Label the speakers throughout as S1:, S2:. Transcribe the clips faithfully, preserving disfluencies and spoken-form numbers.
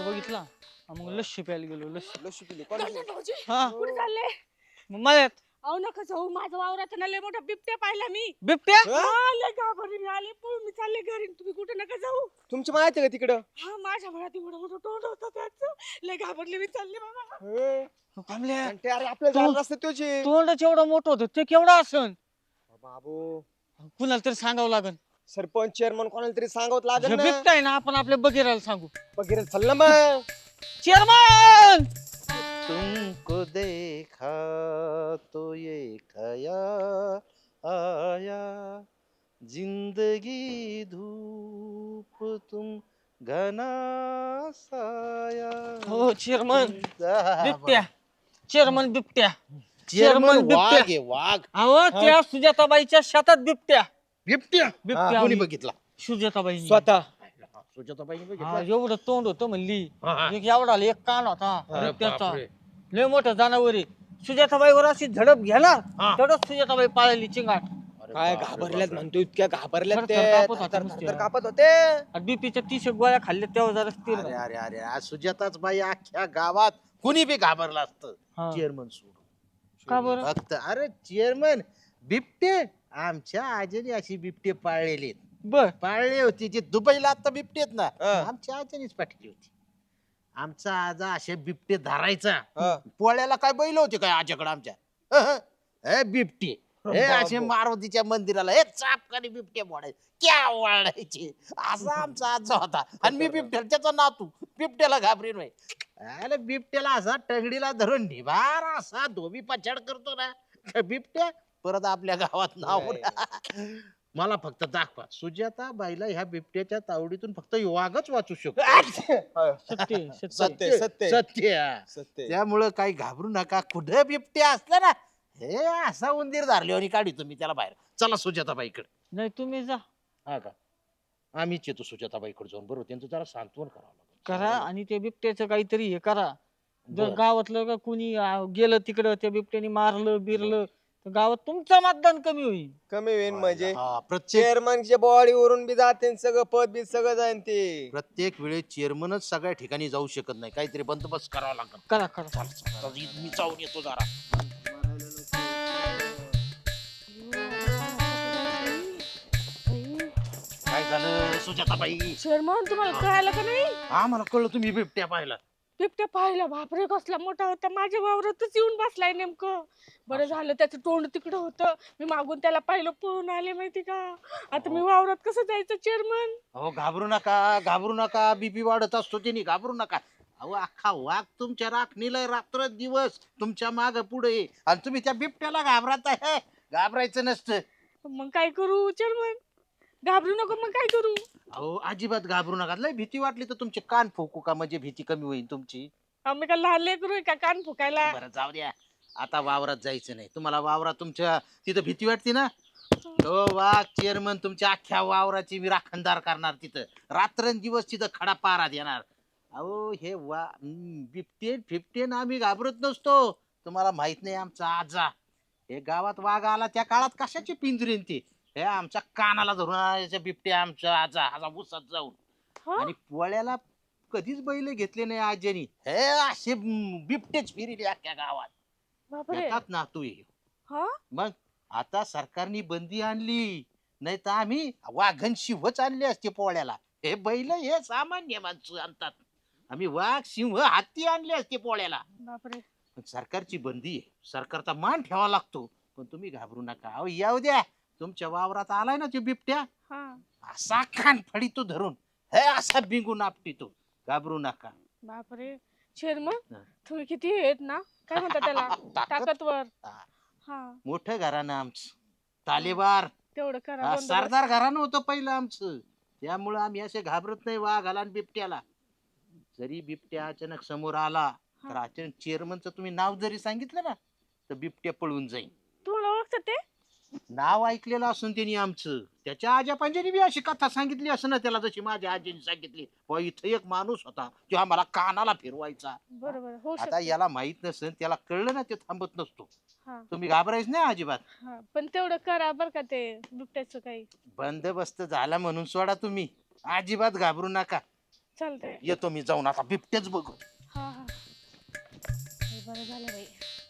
S1: बघितला मग लस्सी प्यायला गेलो लस्सी
S2: लशी पिली कोणाची?
S3: गंठन भाऊजी
S1: हा
S3: कुठे चालले?
S1: मग मळ्यात
S3: अहो नका जाऊ, माझ्या वावरात ना लय मोठा बिबट्या पाहिला मी.
S1: बिबट्या
S2: हा?
S3: हा, लय घाबरली मी, आले पळून मी चालले घरी. तुम्ही कुठे नका जाऊ.
S2: तुमची माहिती आहे का तिकडं?
S3: हा, माझ्या घरात एवढं मोठं तोंड होतं त्याचं. लय घाबरली मी, चालले बाबा.
S2: हे,
S1: कमल्या
S2: आणि ते अरे आपल्या
S1: तू-
S2: झालं असतं त्याची.
S1: तोंडच एवढं मोठं होतं ते केवढं असन
S2: बाबू
S1: कुणाला तरी सांगावं लागल
S2: सरपंच चेअरमन कोणाला तरी सांगत लागेल
S1: हे
S2: ना.
S1: बिबट्या आहे ना आपण आपल्या बगीराला सांगू
S2: वगैरे चल ना मग.
S1: चेअरमन
S4: तुमको देखा तो ये खया आया जिंदगी धूप तुम घना साया.
S1: हो चेअरमन
S4: बिबट्या
S1: बिबट्या चेअरमन बिबट्या
S4: चेअरमन
S1: बिबट्या.
S4: वाघ आहे वाघ.
S1: अहो त्या सुजाताबाईच्या शेतात बिबट्या
S4: बिबट्या
S1: बिबट्या
S4: कोणी
S1: आली.
S4: बघितला?
S1: सुजाताबाई
S2: स्वतः
S4: सुजाताबाईने
S1: हा
S4: बघितला.
S1: एवढं तोंड होतं म्हणली
S4: हा, हा.
S1: एक एवढा एक कान होता
S4: अरे
S1: बिबट्याचा
S4: बापरे.
S1: लय मोठं जनावर आहे सुजाताबाईवर अशी झडप घेणार
S4: हा.
S1: तेवढंच सुजाताबाई पाळली चिंगाट
S4: अरे
S2: काय
S4: बापरे,
S2: घाबरल्यात
S4: बापरे.
S2: म्हणतो, इतक्या घाबरल्यात
S1: थर-
S2: ते.
S1: थर कापत होते
S2: थर-
S1: नुसते.
S2: थर कापत होते.
S1: आणि बीपीच्या तीस गोळ्या खाल्ल्या तेव्हा जरा स्थिर
S4: अरे
S1: झालं.
S4: अरे अरे आज सुजाताच बाई अख्ख्या गावात कुणी बी घाबरलं असतं
S1: हा.
S4: चेअरमन सोडून.
S1: का बरं
S4: फक्त अरे चेअरमन बिबटे आमच्या आजीने अशी बिबटे पाळलेले आहेत.
S1: बर
S4: पाळली होती जी दुबईला आता बिबटे आहेत ना
S2: हा.
S4: आमच्या आजीनेच पाठवली होती. आमचा आजा असे बिबटे धरायचा.
S2: हा.
S4: पोळ्याला काय बैल होते काय आज्याकडे आमच्या अहं. हे बिबटे हे असे
S2: बाबो.
S4: मारुतीच्या मंदिराला हे चापकाने बिबटे मोडायचे क्या वाढायचे असा आमचा आजा होता. आणि मी बिबट्याला त्याचा नातू बिबट्याला घाबरीन नाही. अरे बिबट्याला असा टंगडीला धरून निभार असा धोबी पछाड करतो ना त्या बिबट्या परत आपल्या गावात नाव मला फक्त दाखवा सुजाता बाईला ह्या बिबट्याच्या तावडीतून फक्त वाघच वाचू शकतो.
S1: सत्य सत्य
S2: सत्य सत्य
S4: सत्य
S2: सत्य.
S4: त्यामुळं काही घाबरू नका. कुठं बिबट्या असला ना हे असा उंदीर धरले आणि काढी तुम्ही त्याला बाहेर. चला सुजाताबाईकडे.
S1: नाही तुम्ही जा
S4: हा का आम्हीच येतो सुजाताबाईकडे जाऊन बरोबर त्यांचं जरा सांत्वन करावं लागेल.
S1: करा आणि ते बिबट्याचं काहीतरी हे करा जर
S4: बरं.
S1: गावातलं का कुणी आ, गेलं तिकडं त्या बिबट्याने मारलं बिरलं तर गावात तुमचं मतदान कमी होईल
S2: कमी होईल म्हणजे
S4: हा, प्रत्येक
S2: चेअरमनच्या बॉडी वरून बी जाते सगळं पद बी सगळं जाईन ते.
S4: प्रत्येक वेळेस चेअरमनच सगळ्या ठिकाणी जाऊ शकत नाही. काहीतरी बंदोबस्त करावा लागेल.
S1: करा करा
S4: चल, चल, चल, मी जाऊन येतो जरा. काय झालं सुजाताबाई?
S3: शर्मन तुम्हाला कळालं का नाही?
S4: आम्हाला कळलं तुम्ही बिबट्या पाहिला.
S3: बिबट्या पाहिला, बापरे कसला मोठा होता, माझ्या वावरातच येऊन बसलाय नेमकं. बरं झालं त्याचं तोंड तिकडं होतं, मी मागून त्याला पाहिलं पळून आले माहिती का. आता मी वावरात कसं जायचं चेअरमन?
S4: अहो घाबरू नका घाबरू नका. बीपी वाढत असतो त्यांनी घाबरू नका. अहो अख्खा वाघ तुमच्या राखणीला रात्र दिवस तुमच्या माग पुढे आणि तुम्ही त्या बिबट्याला घाबरत आहे. घाबरायचं नसतं.
S3: मग काय करू चेअरमन? घाबरू नको, मग काय करू?
S4: अहो अजिबात घाबरू नका. लय भीती वाटली तर तुमचे कान फुकू का म्हणजे भीती कमी होईल तुमची.
S3: आम्ही का लहान लेकरू आहे का कान फुकायला?
S4: बरं जाऊ द्या. आता वावरात जायचं नाही. तुम्हाला वावरात तुमच्या तिथं भीती वाटते ना. हो वाघ चेअरमन तुमच्या अख्ख्या वावराची मी राखणदार करणार. तिथं रात्रंदिवस तिथं खडा पारा देणार. अहो हे वा हम्म, बिबटेन फिफ्टेन आम्ही घाबरत नसतो. तुम्हाला माहित नाही आमचा आजा हे गावात वाघ आला त्या काळात कशाची पिंजरीन ती हे आमच्या कानाला धरून आणायच्या बिबट्या आमचा आजा आजा उसात जाऊन.
S3: हा?
S4: आणि पोळ्याला कधीच बैल घेतले नाही आज्यानी. हे असे हम्म, बिबटेच फिरले अख्ख्या गावात.
S3: बापरे.
S4: येतात ना तू ये.
S3: हा?
S4: मग आता सरकारने बंदी आणली नाही तर आम्ही वाघन शिवच आणले असते पोळ्याला. हे बैल हे सामान्य माणसं आणतात. आम्ही वाघ सिंह हत्ती आणले असते पोळ्याला.
S3: बापरे.
S4: पण सरकारची बंदी आहे. सरकारचा मान ठेवा लागतो. पण तुम्ही घाबरू नका. अहो येऊ द्या. तुमच्या वावरात आलाय ना तो बिबट्या
S3: हा.
S4: असा खान फडितो धरून हे असा बिंगून आपटितो. घाबरू नका.
S3: बापरे. चेअरमन
S4: हा.
S3: तुम्ही किती आहेत ना, काय म्हणतात त्याला,
S4: ताकद?
S3: ताकदवर.
S4: हा.
S3: हा,
S4: मोठं घराणं आमचं तालेबार.
S3: तेवढं करा.
S4: हा,
S3: बंदोबस्त.
S4: सरदार घराणं होतं पहिलं आमचं. त्यामुळं आम्ही असे घाबरत नाही वाघाला आणि बिबट्याला. जरी बिबट्या अचानक समोर आला तर अचानक चेअरमनचं तुम्ही नाव जरी सांगितलं ना तर बिबट्या पळून जाईल.
S3: तुम्हाला ओळखतात ते?
S4: नाव ऐकलेलं असून त्यांनी आमचं त्याच्या आजा पंजानी बी अशी कथा सांगितली असं ना त्याला जशी माझ्या आजीने सांगितली. व इथं एक माणूस होता जो आम्हाला कानाला फिरवायचा.
S3: बरोबर होऊ
S4: आता
S3: शकतं.
S4: याला माहित नसेल त्याला कळलं ना ते थांबत नसतो.
S3: हा,
S4: तुम्ही घाबरायच नाही अजिबात.
S3: हा. पण तेवढं करा बर का ते बिबट्याचं काही.
S4: बंदोबस्त झाला म्हणून सोडा तुम्ही. अजिबात घाबरू नका.
S3: चालतंय.
S4: येतो मी जाऊन आता बिबटेच बघू.
S3: हा हा हे बरं झालं बाई.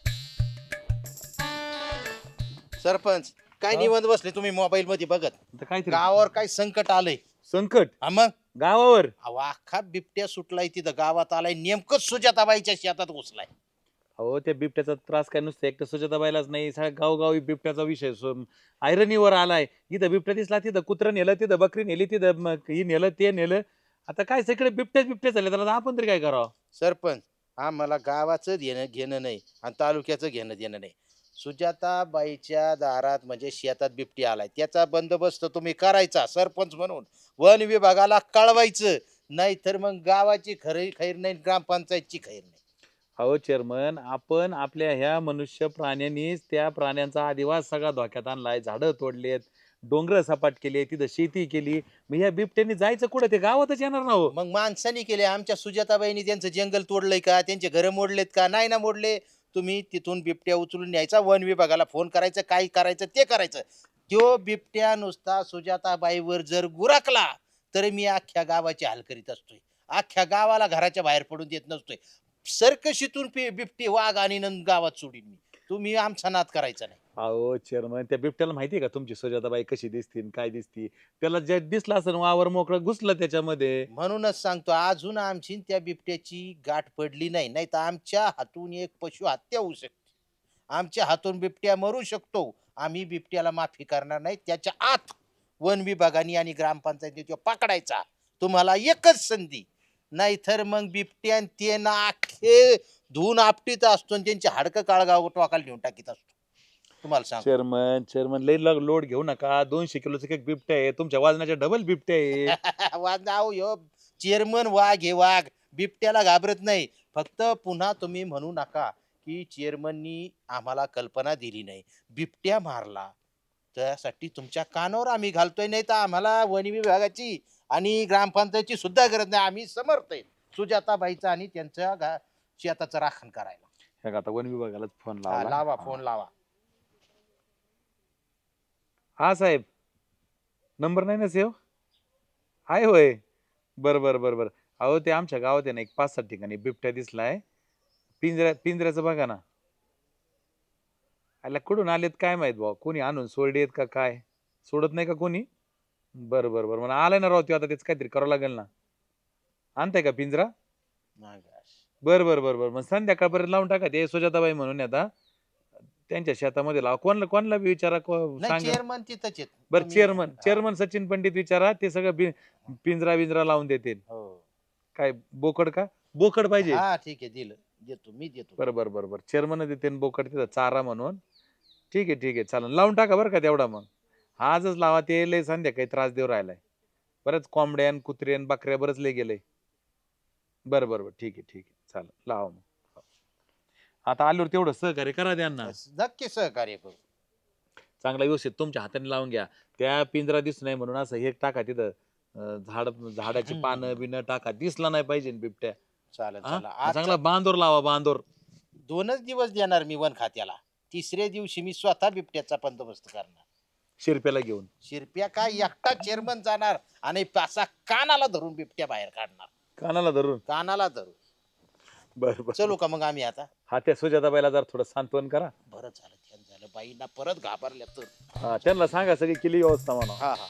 S4: सरपंच काय
S5: हा?
S4: निवांत बसले तुम्ही मोबाईल मध्ये बघत?
S5: आता काय तरी
S4: गावावर काय संकट आलंय.
S5: संकट
S4: हा मग
S5: गावावर.
S4: अहो, अख्खा बिबट्या सुटलाय तिथं गावात आलाय नेमकं सुजाताबाईच्या शेतात घुसलाय.
S5: अहो त्या बिबट्याचा त्रास काय नुसतं एकटं सुजाताबाईलाच नाही, सगळ्या गावगावी बिबट्याचा विषय ऐरणीवर आलाय. इथं बिबट्या दिसला तिथं कुत्रं नेलं, तिथं बकरी नेली, तिथं मग ही नेलं ते नेलं. आता काय सगळे बिबट्याच बिबट्या झाले, त्याला आपण तरी काय करावं?
S4: सरपंच आम्हाला गावाचं घेणं घेणं नाही आणि तालुक्याचं घेणं देणं नाही. सुजाताबाईच्या दारात म्हणजे शेतात बिबटी आलाय त्याचा बंदोबस्त तुम्ही करायचा सरपंच म्हणून. वन विभागाला कळवायचं, नाही तर मग गावाची खरी खैर नाही, ग्रामपंचायतची खैर नाही.
S5: अहो चेअरमन, आपण आपल्या ह्या मनुष्य प्राण्यांनीच त्या प्राण्यांचा आदिवास सगळा धोक्यात आणलाय. झाडं तोडलेत, डोंगर सपाट केले, तिथं शेती केली. मग ह्या बिबट्यांनी जायचं कुठं? ते गावातच येणार ना हो.
S4: मग माणसांनी केले. आमच्या सुजाताबाईंनी त्यांचं जंगल तोडलंय का? त्यांचे घरं मोडलेत का? नाही ना मोडले. तुम्ही तिथून बिबट्या उचलून न्यायचा, वन विभागाला फोन करायचं, काय करायचं ते करायचं. तो बिबट्या नुसता सुजाताबाईवर जर गुराकला तर मी अख्ख्या गावाची हाल करीत असतोय. अख्ख्या गावाला घराच्या बाहेर पडून देत नसतोय. सर्कशीतून बिबटी वाघ आणि नंद गावात सोडीन मी. तुम्ही आमचा नाद करायचा नाही.
S5: अहो चेअरमन, त्या बिबट्याला माहिती आहे का तुमची सुजाताबाई कशी दिसती आणि काय दिसती? त्याला जे दिसलं असं वावर मोकळं घुसलं त्याच्यामध्ये.
S4: म्हणूनच सांगतो अजून आमची त्या बिबट्याची गाठ पडली नाही, नाही तर आमच्या हातून एक पशु हत्या होऊ शकते. आमच्या हातून बिबट्या मरू शकतो. आम्ही बिबट्याला माफी करणार नाही. त्याच्या आत वन विभागाने आणि ग्रामपंचायतीने तो पकडायचा. तुम्हाला एकच संधी, नाहीतर मग बिबट्या ते ना अख्खे धुवून आपटीत असतो आणि त्यांची हाडकं काळगाव टोकाला नेऊन टाकीत असतो. तुम्हाला सांग
S5: चेअरमन चेअरमन लई लग- लोड घेऊ नका. दोनशे किलोचं एक बिबट्या आहे, तुमच्या वजनाच्या डबल बिबट्या आहे.
S4: वाजाव यो चेअरमन वाघ हे वाघ बिबट्याला घाबरत नाही. फक्त पुन्हा तुम्ही म्हणू नका की चेअरमननी आम्हाला कल्पना दिली नाही, बिबट्या मारला. त्यासाठी तुमच्या कानावर आम्ही घालतोय, नाही तर आम्हाला वन विभागाची आणि ग्रामपंचायतची सुद्धा गरज नाही. आम्ही समर्थ आहे सुजाताबाईचा आणि त्यांच्या गा- शेताचं राखण करायला.
S5: हे का, आता वन विभागालाच फोन
S4: हा,
S5: लावा.
S4: लावा फोन लावा.
S5: हा साहेब, नंबर नाही ना सेव आहे होय. बरं बरं बरं बरं. अहो ते आमच्या गावात आहे ना एक पाच सात ठिकाणी बिबट्या दिसलाय. पिंजऱ्या पिंजऱ्याचं बघा ना. आला कुठून आलेत काय माहित भाऊ, कोणी आणून सोडलेत का काय? सोडत नाही का कोणी? बरं बरं बरं, मला आलाय ना राव. आता त्याच काहीतरी करावं लागेल ना. आणताय का पिंजरा?
S4: my gosh.
S5: बरं बरं बरं बरं, मग संध्याकाळपर्यंत लावून टाका. ते सुजाताबाई म्हणून आता त्यांच्या शेतामध्ये लावा. कोणला कोणला बी विचारा, को-
S4: नाही
S5: सांगा.
S4: चेअरमन तिथंच आहेत.
S5: बरं
S4: तुम्ही-
S5: चेअरमन
S4: हा.
S5: चेअरमन सचिन पंडित विचारा, ते सगळं बि- पिंजरा बिंजरा लावून देतील.
S4: हो.
S5: काय बोकड का? बोकड पाहिजे.
S4: हा ठीक आहे, दिलं देतो मी देतो.
S5: बरं बरं बरं बरं, चेअरमन देते आणि बोकड तिथं चारा म्हणून. ठीक आहे ठीक आहे, चालेल, लावून टाका बरं का तेवढा. मग आजच लावा. ते लय संध्याकाळी त्रास देऊ राहिलाय. बरंच कोंबड्यान कुत्र्यान बकऱ्या बरंच लय गेलंय. बरं बरं बरं, ठीक आहे ठीक आहे, चालेल, लावा मग. आता आल्यावर तेवढं सहकार्य करा त्यांना.
S4: नक्की सहकार्य करू.
S5: चांगला व्यवस्थित तुमच्या हाताने लावून घ्या. त्या पिंजरा दिसू नाही म्हणून असं हे टाका तिथं. अं, झाड झाडाची
S4: हम्म.
S5: पानं बिनं टाका, दिसला नाही पाहिजे न बिबट्या.
S4: चालेल
S5: हा?
S4: चला. आज
S5: चांगला बांधोर लावा, बांधोर.
S4: दोनच दिवस देणार मी वन खात्याला. तिसऱ्या दिवशी मी स्वतः बिबट्याचा बंदोबस्त करणार.
S5: शिरप्याला घेऊन.
S4: शिरप्या काय एकटा चेअरमन जाणार आणि पासा कानाला धरून बिबट्या बाहेर काढणार.
S5: कानाला धरून.
S4: कानाला धरून.
S5: बरं बरं.
S4: चलू का मग आम्ही आता?
S5: हा, त्या सुजाताबाईला जरा थोडं सांत्वन करा.
S4: बरं झालं ध्यान झालं, बाईंना परत घाबरल्या तर.
S5: हा, त्यांना सांगा सगळी केली व्यवस्था म्हणा.
S4: हा हा.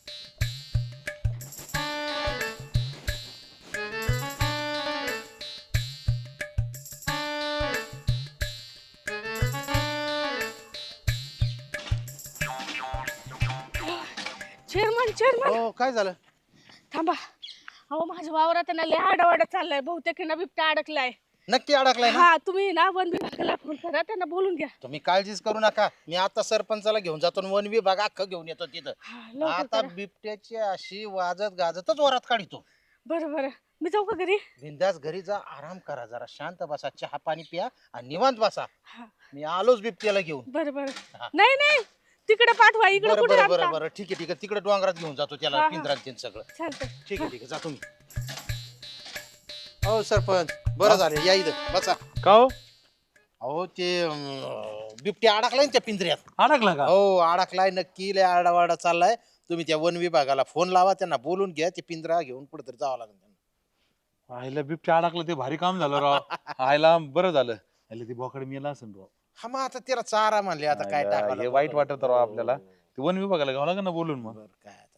S3: चेअरमन चेअरमन
S4: हो काय झालं?
S3: थांबा. अहो माझ्या वावरात आहे ना लय आडावाडा चाललाय. बहुतेक आहे ना बिबट्या अडकलाय.
S4: नक्की अडकलाय ना?
S3: हा, तुम्ही ना वन विभागाला फोन करा, त्यांना बोलून घ्या.
S4: तुम्ही काळजीच करू नका. मी आता सरपंचाला घेऊन जातो आणि वन विभाग अख्खं घेऊन येतो तिथं.
S3: हा, लवकर
S4: आता
S3: करा.
S4: बिबट्याची अशी वाजत गाजतच वरात काढितो.
S3: बरं बरं, मी जाऊ का घरी?
S4: बिंदास घरी जा, आराम करा, जरा शांत बसा, चहा पाणी प्या आणि निवांत बसा.
S3: हा.
S4: मी आलोच बिबट्याला घेऊन.
S3: बरं बरं.
S4: हा.
S3: नाही नाही, तिकडे पाठवा, इकडे
S4: बरं
S3: कुठे
S4: बरं बरं
S3: आणता?
S4: बरं, ठीक आहे ठीक आहे, तिकडे डोंगरात घेऊन जातो
S3: हा,
S4: त्याला,
S3: हा.
S4: पिंजरात सगळं.
S3: चालतंय.
S4: ठीक आहे ठीक आहे, जा तुम्ही. हो सरपंच, बरं झालं, या इथं बसा.
S5: का हो?
S4: अहो ते अं, बिबट्या अडकलाय ना त्या पिंजऱ्यात.
S5: अडकला का?
S4: हो अडकलाय नक्की, लय आरडावारडा चाललाय. तुम्ही त्या वन विभागाला फोन लावा, त्यांना बोलून घ्या, ते पिंजरा घेऊन कुठेतरी जावं लागेल त्यांना.
S5: आईला बिबट्या अडकलं ते भारी काम झालं राव. आईला बरं झालं. आईला ती बोकड मेला असेल राव.
S4: हा मग आता त्याला चारा म्हणले आता काय
S5: आईला
S4: टाकावं
S5: हे वाईट वाटत राव आपल्याला. ते वन विभागाला घ्यावं लागेल ना बोलून मग.
S4: बरं, काय आता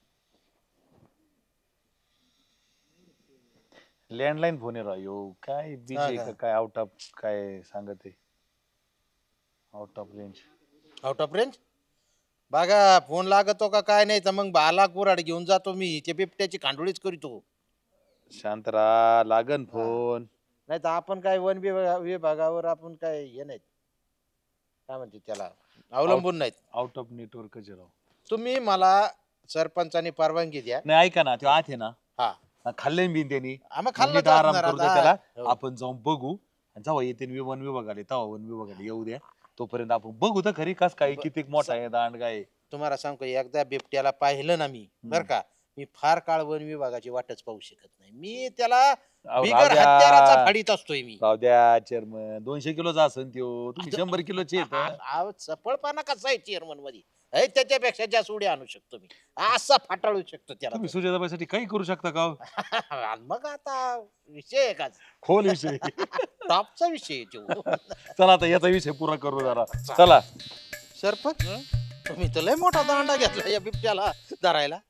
S5: लँडलाईन फोन आहे राव यो. काय
S4: हा
S5: बिजी
S4: का?
S5: का काय आउट ऑफ काय सांगत आहे. Out of range.
S4: Out of range बघा फोन लागतो का काय नाही तर मग बाला कुराड घेऊन जातो मी ते बिबट्याची खांडोळीच करीतो.
S5: शांत राहा लागन फोन.
S4: नाही तर आपण काय वन विभागा- विभागावर आपण काय हे नाहीत काय म्हणते त्याला अवलंबून नाहीत.
S5: आउट ऑफ नेटवर्क राव.
S4: तुम्ही मला सरपंचानी परवानगी द्या.
S5: नाही ऐका ना तो आत आहे ना.
S4: हा
S5: खाल्ले मी त्यांनी.
S4: हा, मग
S5: मग
S4: खाल्लं
S5: नीट आराम
S4: तर
S5: करू दे
S4: आता.
S5: त्याला.
S4: हो.
S5: आपण जाऊन बघू आणि जेव्हा येते वन विभागाले तेव्हा वन विभागाले येऊ द्या. तोपर्यंत आपण बघू तर खरी कस काय किती मोठा आहे दांड काय.
S4: तुम्हाला सांगतो एकदा बिबट्याला पाहिलं ना मी बर का मी फार काळ वन विभागाची वाटच पाहू शकत नाही. मी त्याला
S5: अहो,
S4: बिगर
S5: राहू द्या.
S4: हत्याराचा फाडीत असतोय मी.
S5: राहू द्या चेअरमन. दोनशे किलोचा असन त्यो. तुम्ही शंभर किलोचे आहेत.
S4: आव, चपळपणा कसा आहे चेअरमन मध्ये हे त्याच्यापेक्षा जास्त उड्या आणू शकतो मी असा फाटाळू शकतो त्याला.
S5: तुम्ही सुजाताबाईसाठी काही करू शकता का हो?
S4: आणि मग आता विषय आहे का
S5: खोल विषय.
S4: टॉपचा विषय आहे तो.
S5: चला आता याचा विषय पुरा करू जरा. चला
S4: सरपंच तुम्ही तर लय मोठा दांडा घेतला या बिबट्याला धरायला.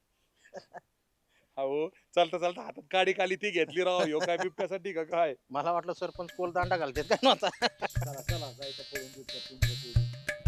S5: हो चालता चालता हातात काडी काली ती घेतली राव. ह्यो काय बिबट्यासाठी का काय.
S4: मला वाटलं सरपंच कोल दांडा घालतात काय नव्हता.
S1: चला चला जायचं पळून बिबट्या, पिंजऱ्यात उडी.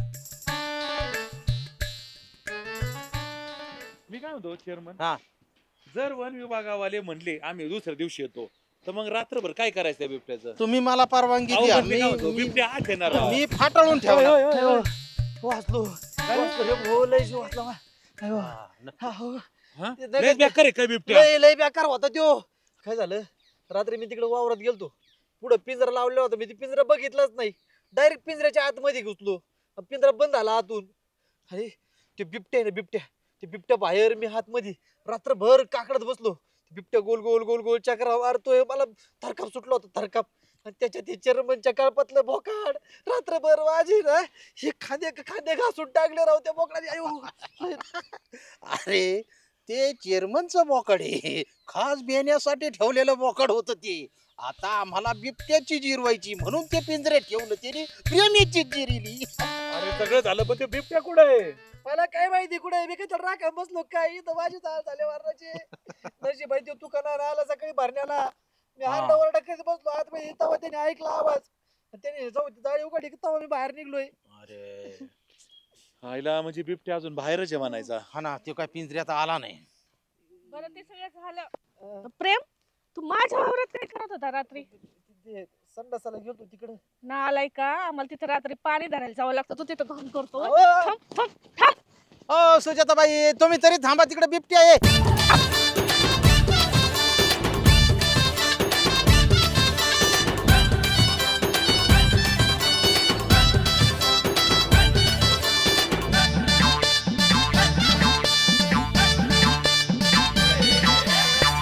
S5: मी काय म्हणतो चेअरमन.
S4: हा.
S5: जर वन विभागावाले म्हणले आम्ही दुसऱ्या दिवशी येतो तर मग रात्रभर काय करायचं त्या बिबट्याचं.
S4: तुम्ही मला परवानगी
S5: अहो,
S4: द्या.
S5: पण मी काय म्हणतो,
S4: मी
S5: बिबट्या आत येणार राव.
S4: मी फाटाळून
S1: होय,
S4: ठेवला.
S1: होय, होय, होय. वाचलो वाचलो रे, हो, लय जीव वाचला मा. अयो. हा, हो.
S5: हा?
S1: ते
S5: लय
S1: लगेच-
S5: बेकार आहे काय बिबट्या.
S1: लय लय बेकार होता त्यो. काय झालं रात्री मी तिकडे वावरात गेलतो. पुढे पिंजरा लावलेला होता. मी ती पिंजरा बघितलाच नाही. डायरेक्ट पिंजऱ्याच्या आतमध्ये घुसलो. पिंजरा बंद झाला आतून. अरे ते बिबट्या आहे ना बिबट्या. ते बिबट्या बाहेर मी आतमध्ये रात्रभर काकडत बसलो. ते बिबट्या गोल गोल गोल गोल चक्रा मारतोय. मला थरकाप सुटला होता थरकाप. आणि त्याच्या ते चेअरमनच्या कळपातलं बोकाड रात्रभर वाजी ना हे खांदे खांदे घासून टाकले राव त्या बोकडाने. अयो
S4: अरे ते चेअरमनचं बोकड आहे खास बेण्यासाठी ठेवलेलं बोकड होतं ते. आता आम्हाला बिबट्याची जिरवायची म्हणून ते पिंजऱ्यात ठेवलं त्याने प्रेमीची जिरिली.
S5: अरे सगळं झालं पण ते बिबट्या कुठे आहे.
S1: मला काय माहिती कुठे मी काय राखा बसलो काय इथं माझी चाल झाले वारणाचे. नशी माहिती तू कणार आला सकाळी भरण्याला. मी
S5: हा.
S1: हारडा वरडा करत बसलो आत मध्ये. तेव्हा त्याने ऐकला आवाज. त्याने जाऊ जाळी उघडली की तेव्हा मी बाहेर निघलोय.
S4: अरे
S5: आईला म्हणजे बिबट्या अजून बाहेरच आहे म्हणायचा.
S4: हा ना तो काय पिंजऱ्यात आला नाही.
S3: बरं ते सगळं झालं. प्रेम तू माझ्या वावरात काय करत होता रात्री.
S1: ते संडासाला गेलो तिकडे.
S3: ना आलाय का आम्हाला तिथे रात्री पाणी धरायला जावं लागतं. तू तिथं घाम करतो.
S1: अहो,
S3: थांब थांब थांब.
S4: ओ सुजाताबाई तुम्ही तरी थांबा तिकडे बिबट्या आहे.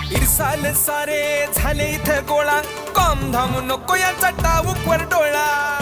S6: इरसाल सारे झाले इथं गोळा कॉम धाम नको याचा टाऊक वर डोळा.